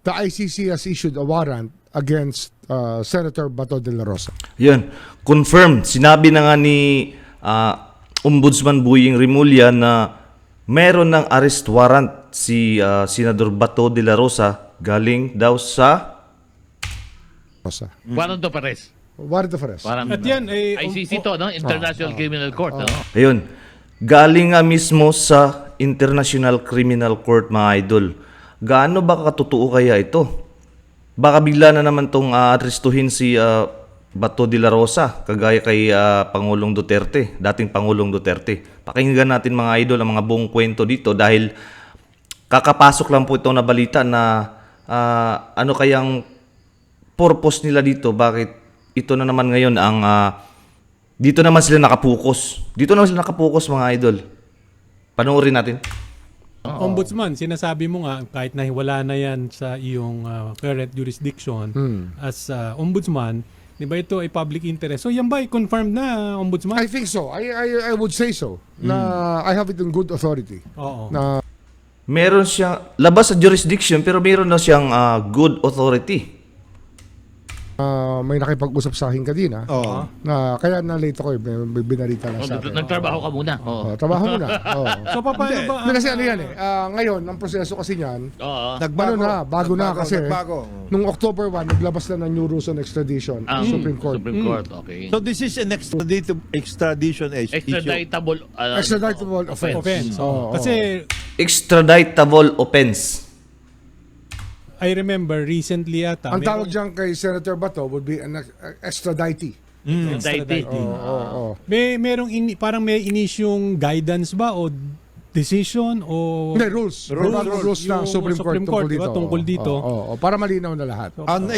the ICC has issued a warrant against Senator Bato de la Rosa. Yun, confirmed. Sinabi na nga ni Ombudsman Boying Rimulya na meron ng arrest warrant si Senador Bato de la Rosa galing daw sa Warrant of arrest. Warrant of arrest. Parang, At yan, ICC to, no? International Criminal Court. Ano? Ayun. Galing nga mismo sa International Criminal Court, mga idol. Gaano ba katotoo kaya ito? Baka bigla na naman tong arestuhin si Bato de la Rosa, kagaya kay Pangulong Duterte, dating Pangulong Duterte. Pakinggan natin, mga idol, ang mga buong kwento dito dahil kakapasok lang po ito na balita na ano kayang purpose nila dito, bakit ito na naman ngayon ang dito naman sila nakapokus. Dito naman sila nakapokus, mga idol. Panoorin natin. Ombudsman, sinasabi mo nga kahit na wala na yan sa iyong current jurisdiction as ombudsman, di ba ito ay public interest? So yan ba ay confirmed na, Ombudsman? I think so. I would say so. Na I have it in good authority. Oo. Na Meron siyang labas sa jurisdiction pero meron na siyang good authority. may nakipag-usap sa akin kanina. Na kaya na late ako, may binarita lang sa akin. Nagtrabaho ka muna. Oo. Trabaho muna. So paano ba? Hindi, kasi ano yan eh. Ngayon, ang proseso kasi niyan, Oo. bago na kasi. Nagbago. Nung October 1, naglabas na ng new rules on extradition Ang Supreme Court. Supreme Court, okay. So this is an extradition issue. Extraditable. Extraditable offense. Offense. Oo. Kasi Extraditable offense. I remember recently ata. Ang tawag dyan kay Senator Bato would be an extradite. Extradite. Oo. Merong parang may inisyong guidance ba o decision o Hindi, rules. Rules ng Yung Supreme Court tungkol di ba, dito. tungkol dito. Oo. Para malinaw na lahat. On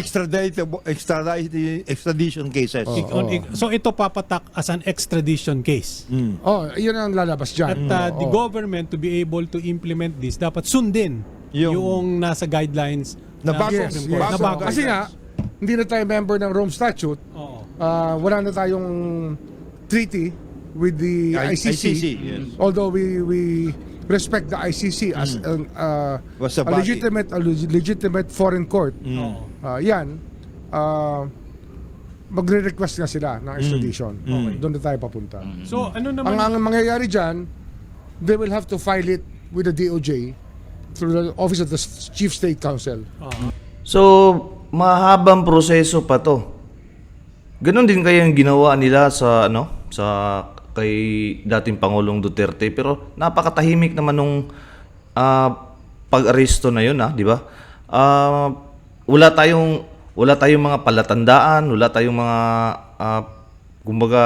extradition cases. So ito papatak as an extradition case. Yun ang lalabas dyan. At the government to be able to implement this, dapat sundin yung nasa guidelines Na bago. ng Yes, Supreme yes. Court. Na bago. Kasi nga, hindi na tayo member ng Rome Statute. Oo. Wala na tayong treaty with the ICC. yes. Although we respect the ICC as Was a a body. legitimate foreign court. Oo. Yan, magre-request nga sila ng extradition. Doon na tayo papunta. So ano naman Ang mangyayari dyan, they will have to file it with the DOJ through the Office of the Chief State Counsel. So, mahabang proseso pa to. Ganon din kaya yung ginawa nila sa kay dating Pangulong Duterte, pero napakatahimik naman nung pag-aresto na yun, di ba? Wala tayong mga palatandaan, wala tayong mga kumbaga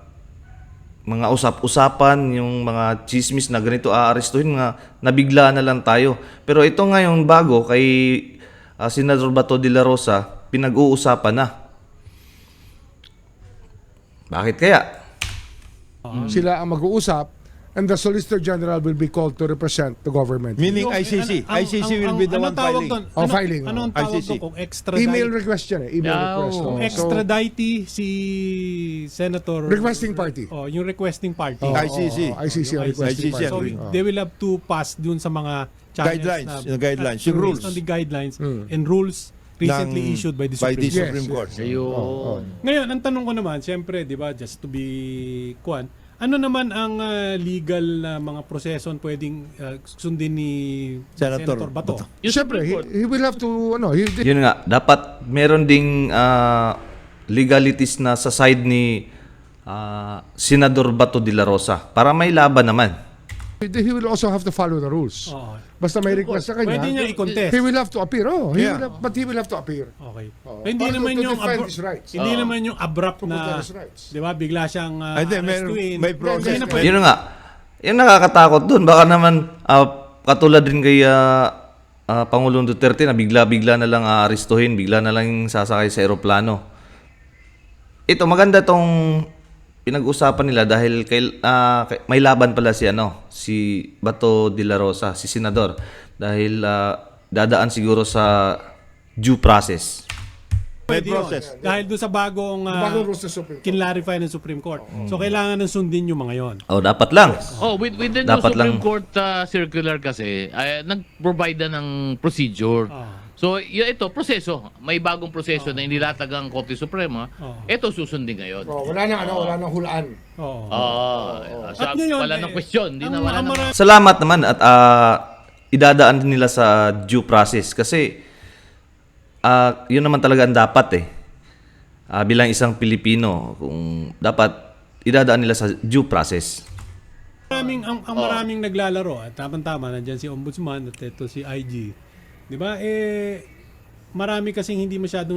mga usap-usapan, yung mga chismis na ganito aarestuhin, nga nabigla na lang tayo. Pero ito ngayon bago kay Senador Bato de la Rosa, pinag-uusapan na. Bakit kaya? Sila ang mag-uusap and the Solicitor General will be called to represent the government. Meaning ICC. ICC will be the one filing. Filing. Anong tawag ICC. doon kung extradite? Email request yan eh. Email request. Kung So, extradite si Senator requesting party. yung requesting party. ICC. ICC ang requesting ICC. party. So they will have to pass dun sa mga channels Guidelines, na, yung guidelines, based yung rules. on the guidelines and rules recently issued by the Supreme Court. Supreme Court. Ayun. Ngayon, ang tanong ko naman, siyempre, di ba, just to be ano naman ang legal na mga proseso pwedeng sundin ni Senator Bato? Yung Siyempre, Supreme Court. he will have to, Yun nga, dapat meron ding legalities na sa side ni Senador Bato de la Rosa para may laban naman. he will also have to follow the rules. Oo. Basta may request sa kanya, Pwede niya i-contest. he will have to appear. Yeah. But he will have to appear. Okay. Oo. Hindi Para naman to yung defend his rights. hindi naman yung abrupt To na, protect his rights. 'di ba, bigla siyang Hindi, arrestuin. may process. Hindi na pwede. Yun nga, yung nakakatakot dun. Baka naman katulad din kay Pangulong Duterte na bigla-bigla na lang aarestuhin, bigla na lang sasakay sa eroplano. Ito, maganda tong pinag-usapan nila dahil may laban pala si Bato de la Rosa, si Senador, dahil dadaan siguro sa due process. Pwede yun. process. Dahil doon sa bagong Bagong rules ng Supreme Court. kinlarify ng Supreme Court. So kailangan ng sundin yung mga yon. Dapat lang. With the new Dapat Supreme lang. Court circular kasi, nag-provide na ng procedure So, ito, proseso. May bagong proseso na inilatag ang Korte Suprema. Oo. Ito susundin ngayon. Oh, wala nang hulaan. Oo. Sa, At ngayon, wala nang question. Di na ang wala nang... marami- Salamat naman at idadaan din nila sa due process kasi yun naman talaga ang dapat eh. Bilang isang Pilipino, kung dapat idadaan nila sa due process. Maraming naglalaro at tama-tama nandiyan si Ombudsman at ito si IG. 'Di ba? Marami kasing hindi masyadong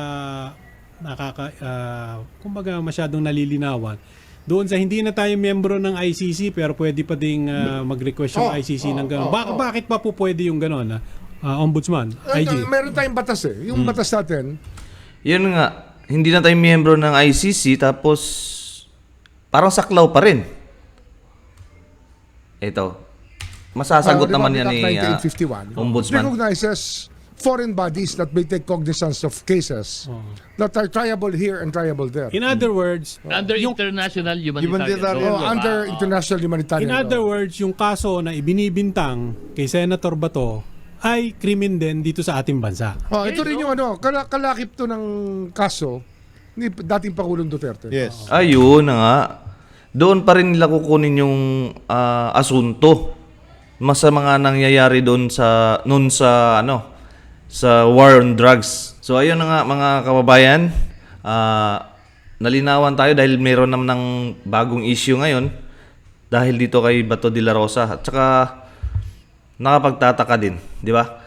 kumbaga masyadong nalilinawan. Doon sa hindi na tayo miyembro ng ICC pero pwede pa ding mag-request yung ICC ng gano'n. Bakit pa po pwede yung gano'n? Ombudsman, IG. Meron tayong batas eh. Yung batas natin, Yun nga, hindi na tayo miyembro ng ICC tapos parang saklaw pa rin. Ito. Masasagot di ba, naman yan Act ni 1951 Ombudsman. recognizes foreign bodies that may take cognizance of cases that are triable here and triable there. In other words, Under international Humanitarian humanitarian law. Under international humanitarian in other law. words, yung kaso na ibinibintang kay Senator Bato ay krimen din dito sa ating bansa. Ito rin yung kalakip to ng kaso ni dating Pangulong Duterte. Yes. Ayun na nga. Doon pa rin nila kukunin yung asunto. Mas sa mga nangyayari doon sa sa war on drugs. So ayun na nga mga kababayan, nalinawan tayo dahil mayroon naman ng bagong issue ngayon dahil dito kay Bato de la Rosa at saka nakapagtataka din, di ba?